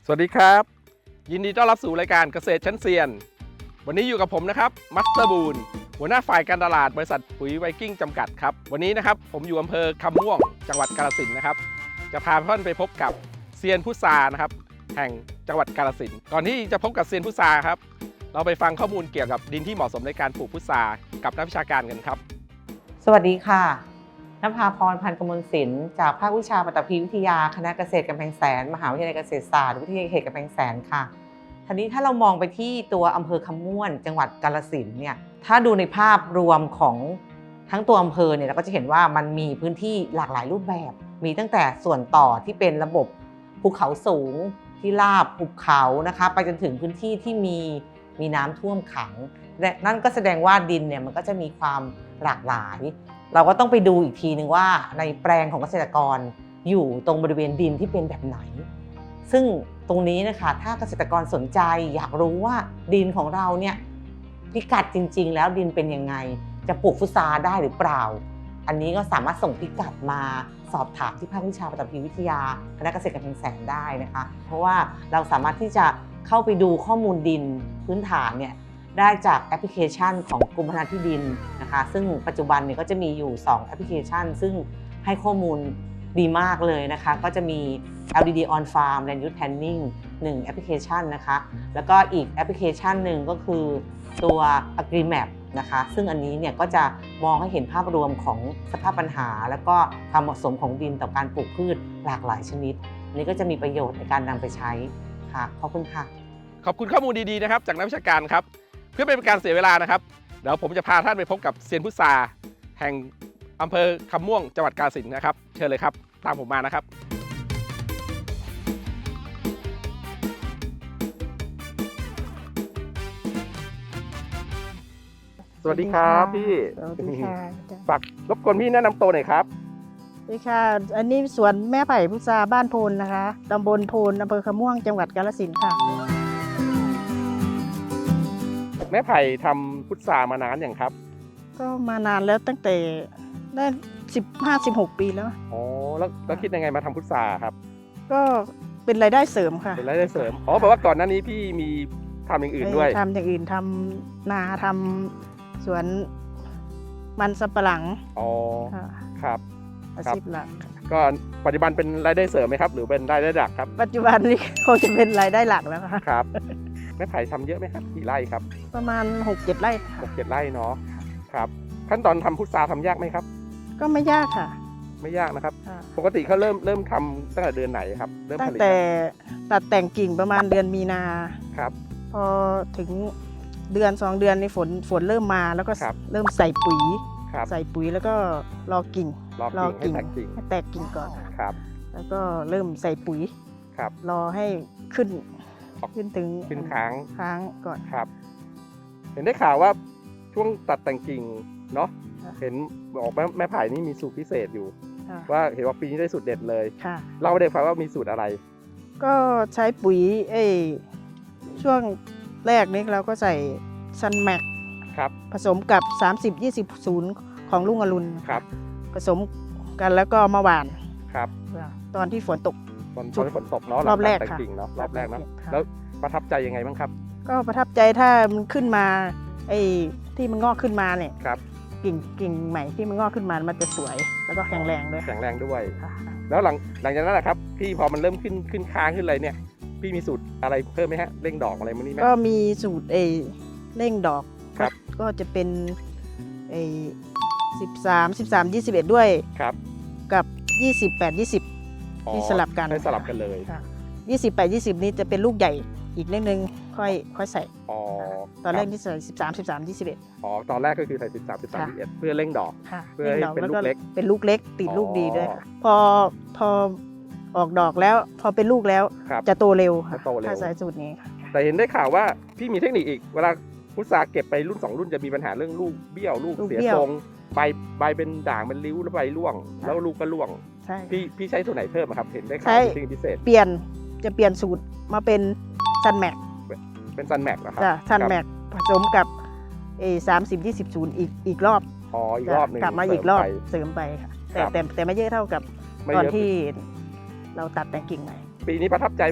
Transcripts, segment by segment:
สวัสดีครับยินดีต้อนรับสู่รายการเกษตรชั้นเซียนวันนี้อยู่กับผมนะครับมัสเตอร์บูนหัวหน้าฝ่ายการตลาดบริษัทปุ๋ยไวกิ้งจำกัดครับวันนี้นะครับผมอยู่อำเภอคำม่วงจังหวัดกาฬสินธุ์นะครับจะพาท่านไปพบกับเซียนพุทรานะครับแห่งจังหวัดกาฬสินธุ์ก่อนที่จะพบกับเซียนพุทราครับเราไปฟังข้อมูลเกี่ยวกับดินที่เหมาะสมในการปลูกพุทรากับนักวิชาการกันครับสวัสดีค่ะนภาพร พันกมลศิลป์จากภาควิชาปฐพีวิทยาคณะเกษตรกำแพงแสนมหาวิทยาลัยเกษตรศาสตร์วิทยาเขตกำแพงแสนค่ะทีนี้ถ้าเรามองไปที่ตัวอำเภอคำม่วนจังหวัดกาฬสินธุ์เนี่ยถ้าดูในภาพรวมของทั้งตัวอำเภอเนี่ยเราก็จะเห็นว่ามันมีพื้นที่หลากหลายรูปแบบมีตั้งแต่ส่วนต่อที่เป็นระบบภูเขาสูงที่ราบหุบเขานะคะไปจนถึงพื้นที่ที่มีน้ำท่วมขังและนั่นก็แสดงว่าดินเนี่ยมันก็จะมีความหลากหลายเราก็ต้องไปดูอีกทีนึงว่าในแปลงของเกษตรกรอยู่ตรงบริเวณดินที่เป็นแบบไหนซึ่งตรงนี้นะคะถ้าเกษตรกรสนใจอยากรู้ว่าดินของเราเนี่ยพิกัดจริงๆแล้วดินเป็นยังไงจะปลูกพุทราได้หรือเปล่าอันนี้ก็สามารถส่งพิกัดมาสอบถามที่ภาควิชาปฐพีวิทยาคณะเกษตรกำแพงแสนได้นะคะเพราะว่าเราสามารถที่จะเข้าไปดูข้อมูลดินพื้นฐานเนี่ยได้จากแอปพลิเคชันของกรมพัฒนาที่ดินนะคะซึ่งปัจจุบันเนี่ยก็จะมีอยู่2แอปพลิเคชันซึ่งให้ข้อมูลดีมากเลยนะคะก็จะมี LDD on Farm Land Use Planning 1แอปพลิเคชันนะคะแล้วก็อีกแอปพลิเคชันหนึ่งก็คือตัว AgriMap นะคะซึ่งอันนี้เนี่ยก็จะมองให้เห็นภาพรวมของสภาพปัญหาแล้วก็ความเหมาะสมของดินต่อการปลูกพืชหลากหลายชนิดนี้ก็จะมีประโยชน์ในการนำไปใช้ค่ะขอบคุณค่ะขอบคุณข้อมูลดีๆนะครับจากนักวิชาการครับเพื่อไม่เป็นการเสียเวลานะครับเดี๋ยวผมจะพาท่านไปพบกับเซียนพุทราแห่งอำเภอคำม่วงจังหวัดกาฬสินธุ์นะครับเชิญเลยครับตามผมมานะครับสวัสดีครับพี่สวัสดีค่ะฝากรบกวนพี่แนะนำตัวหน่อยครับสวัสดีค่ะ อันนี้สวนแม่ไผ่พุทราบ้านโพนนะคะตำบลโพนอำเภอคำม่วงจังหวัดกาฬสินธุ์ค่ะแม่ไผ่ทำพุทรามานานอย่างครับก็มานานแล้วตั้งแต่ได้15-16 ปีแล้วอ๋อแล้วคิดยังไงมาทำพุทราครับก็เป็นรายได้เสริมค่ะเป็นรายได้เสริมอ๋อแปลว่าก่อนหน้านี้พี่มีทำอย่างอื่นด้วยทำอย่างอื่นทำนาทำสวนมันสำปะหลังอ๋อค่ะครับอาชีพหลักก็ปัจจุบันเป็นรายได้เสริมไหมครับหรือเป็นรายได้หลักครับปัจจุบันนี้คงจะเป็นรายได้หลักแล้วค่ะครับแม่ไผ่ทำเยอะไหมครับกี่ไร่ครับประมาณ 6-7 ไร่ค่ะ 6-7 ไร่เนาะครับขั้นตอนทำพุทราทำยากไหมครับก็ไม่ยากค่ะไม่ยากนะครับค่ะปกติเขาเริ่มทำตั้งแต่เดือนไหนครับเริ่มตั้ผงลิตแต่ตัดแต่งกิ่งประมาณเดือนมีนาครับพอถึงเดือน2 เดือนในฝนเริ่มมาแล้วก็ครับเริ่มใส่ปุ๋ยครับใส่ปุ๋ยแล้วก็รอกิ่งรอกิ่งให้แตกกิ่งให้แตกกิ่งก่อนครับแล้วก็เริ่มใส่ปุ๋ยครับรอให้ขึ้นออกขึ้นถึงขึ้นค้างค้างก่อนครับ เห็นได้ข่าวว่าช่วงตัดแต่งกิ่งเนาะค่ะเห็นบอกแม่ไผ่นี่มีสูตรพิเศษอยู่ค่ะว่าเห็นว่าปีนี้ได้สูตรเด็ดเลยค่ะเล่าให้ได้ฟังว่ามีสูตรอะไรก็ใช้ปุ๋ยช่วงแรกนี้เราก็ใส่ซันแม็กครับผสมกับ 30-20 ของลุงอรุณครับผสมกันแล้วก็มาหว่านครับตอนที่ฝนตกตอนฝนตกเนาะรอบแรกหลังตัดแต่งค่ะกิ่งเนาะรอบแรกเนาะค่ะแล้วประทับใจยังไงบ้างครับก็ประทับใจถ้ามันขึ้นมาที่มันงอกขึ้นมาเนี่ยครับกิ่งใหม่ที่มันงอกขึ้นมามันจะสวยแล้วก็แข็งแรงด้วยแข็งแรงด้วยค่ะแล้วหลังจากนั้นนะครับพี่พอมันเริ่มขึ้นค้างขึ้นอะไรเนี่ยพี่มีสูตรอะไรเพิ่มไหมฮะเร่งดอกอะไรมั้งนี่ไหมก็มีสูตรเร่งดอกครับก็จะเป็น13-21 ด้วยครับกับ28-20 ที่สลับกันให้สลับกันเลยค่ะ28-20 นี้จะเป็นลูกใหญ่อีกนิดนึงค่อยใส่อ๋อตอนแรกคบที่ใส่13-21 อ๋อตอนแรกก็คือใส่13 11เพื่อเร่งดอกค่ะเพื่อให้เป็นลูกเล็กเป็นลูกเล็กติดอ๋อลูกดีด้วยค่ะพอออกดอกแล้วพอเป็นลูกแล้วครับจะโตเร็วค่ะจะโตเร็วถ้าใช้สูตรนี้ค่ะแต่เห็นได้ข่าวว่าพี่มีเทคนิคอีกเวลาพุทราเก็บไปรุ่น2รุ่นจะมีปัญหาเรื่องลูกเบี้ยวลูกเสียทรงใบเป็นด่างเป็นริ้วแล้วใบร่วง แล้วลูกก็ร่วงใช่พี่ใช้ตัวไหนเพิ่มอะครับเห็นได้ข่าวใช้มีเทคนิคพิเศษจะเปลี่ยนสูตรมาเป็นซันแม็กเป็นซันแม็กนะครับจ้ะซันครับแม็กผสมกับ30-20อีกรอบอ๋ออีกรอบหนึ่งกลับมาอีกรอบเสริมไปเสริมไปค่ะครับแต่ไม่เยอะเท่ากับไม่ตอนเยอะที่เราตัดแต่งกิ่งใหม่ปีนี้ประทับใจไหมฮะ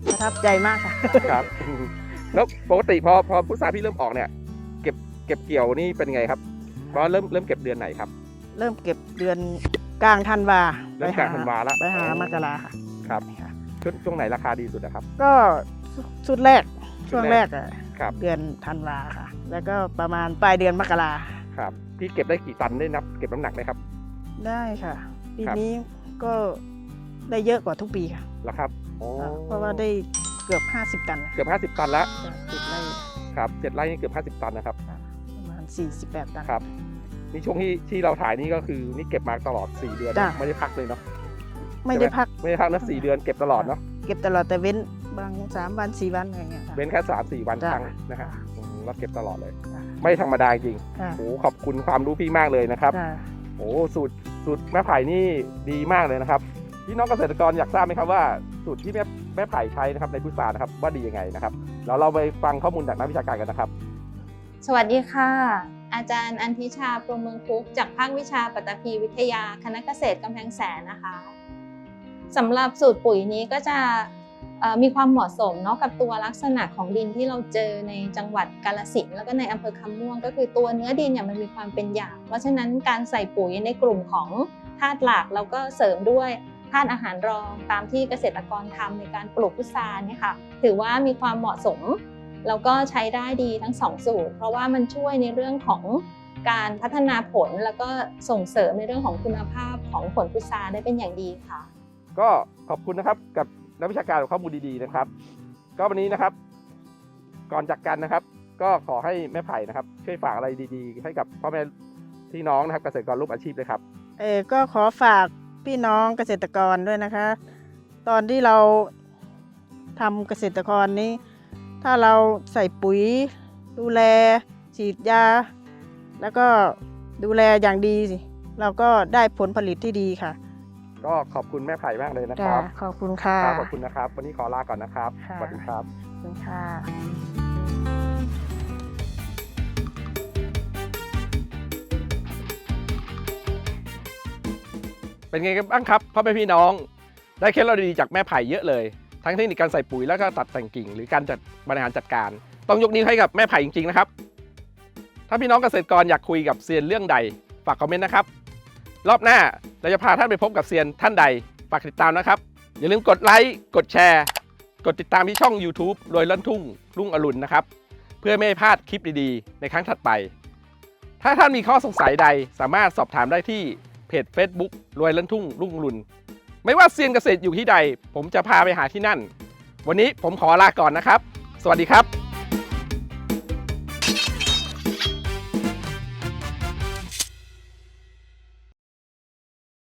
ประทับใจมากค่ะครับ แล้วปกติพอพุทราพี่เริ่มออกเนี่ยเก็บเกี่ยวนี่เป็นไงครับเพราะเริ่มเก็บเดือนไหนครับเริ่มเก็บเดือนกลางธันวาเริ่มกลางธันวาละไปหามกราค่ะครับค่ะช่วงไหนราคาดีสุดนะครับก็ชุดแรกชุช่ดวงแรแรกกอะครับเดือนธันวาค่ะ แล้วก็ประมาณปลายเดือนมกราครับพี่เก็บได้กี่ตันได้นับเก็บน้ำหนักไหมครับได้ค่ะ ปีครับนี้ก็ได้เยอะกว่าทุกปีค่ะแล้วครับโอ้เพราะว่าได้เกือบ 50 ตันเกือบ50 ตันแล้วติดไร่ครับ7 ไร่นี่เกือบ50 ตันนะครับประมาณ48 ตันครับนี่ช่วงที่เราถ่ายนี่ก็คือนี่เก็บมาตลอด4 เดือนจ้ะไม่ได้พักเลยเนาะไม่ได้พักไม่ได้พักนะ4 เดือนเก็บตลอดเนาะเก็บตลอดแต่เว้นบาง3 วัน 4 วันอะไรเงี้ยค่ะเว้นแค่3-4 วันจ้ะครั้งนะฮะเราเก็บตลอดเลยจ้ะไม่ธรรมดาจริงค่ะโอ้ขอบคุณความรู้พี่มากเลยนะครับค่ะโอ้สูตรแม่ไผ่นี่ดีมากเลยนะครับพี่น้องเกษตรกรอยากทราบไหมครับว่าสูตรที่แม่ไผ่ใช้นะครับในพุทรานะครับว่าดียังไงนะครับเราไปฟังข้อมูลจากนักวิชาการกันนะครับสวัสดีค่ะ อาจารย์อันทิชาพรหมเมืองคุกจากภาควิชาปัตตภีวิทยาคณะเกษตรกำแพงแสนนะคะสำหรับสูตรปุ๋ยนี้ก็จะมีความเหมาะสมเนาะกับตัวลักษณะของดินที่เราเจอในจังหวัดกาฬสินธุ์แล้วก็ในอำเภอคำม่วงก็คือตัวเนื้อดินเนี่ยมันมีความเป็นหยาบเพราะฉะนั้นการใส่ปุ๋ยในกลุ่มของธาตุหลักแล้วก็เสริมด้วยธาตุอาหารรองตามที่เกษตรกรทำในการปลูกพุทราเนี่ยค่ะถือว่ามีความเหมาะสมแล้วก็ใช้ได้ดีทั้งสองสูตรเพราะว่ามันช่วยในเรื่องของการพัฒนาผลแล้วก็ส่งเสริมในเรื่องของคุณภาพของผลพุทราได้เป็นอย่างดีค่ะก็ขอบคุณนะครับกับนักวิชาการข้อมูลดีๆนะครับ ก็วันนี้นะครับก่อนจากกันนะครับ ก็ขอให้แม่ไผ่นะครับช่วยฝากอะไรดีๆ ให้กับพ่อแม่พี่น้องนะครับเกษตรกรร่วมอาชีพเลยครับก็ขอฝากพี่น้องเกษตรกรด้วยนะคะ ตอนที่เราทำเกษตรกรนี้ ถ้าเราใส่ปุ๋ยดูแลฉีดยา แล้วก็ดูแลอย่างดีสิเราก็ได้ผลผลิตที่ดีค่ะก็ขอบคุณแม่ไผ่มากเลยนะคจ้ะรับขอบคุณค่ะครับขอบคุณนะครับ วันนี้ขอลาก่อนนะครับค่ะสวัสดีครับขอบคุณค่ะเป็นไงกันบ้างครับพ่อแม่พี่น้องได้เคล็ดลับดีๆจากแม่ไผ่เยอะเลยทั้งเทคนิคการใส่ปุ๋ยแล้วก็ตัดแต่งกิ่งหรือการจัดบริหารจัดการต้องยกนิ้วให้กับแม่ไผ่จริงๆนะครับถ้าพี่น้องเกษตรกรอยากคุยกับเซียนเรื่องใดฝากคอมเมนต์นะครับรอบหน้าเราจะพาท่านไปพบกับเซียนท่านใดฝากติดตามนะครับอย่าลืมกดไลค์กดแชร์กดติดตามที่ช่อง YouTube รวยลั่นทุ่งรุ่งอรุณนะครับเพื่อไม่ให้พลาดคลิปดีๆในครั้งถัดไปถ้าท่านมีข้อสงสัยใดสามารถสอบถามได้ที่เพจ Facebook รวยลั่นทุ่งรุ่งอรุณไม่ว่าเซียนเกษตรอยู่ที่ใดผมจะพาไปหาที่นั่นวันนี้ผมขอลาก่อนนะครับสวัสดีครับ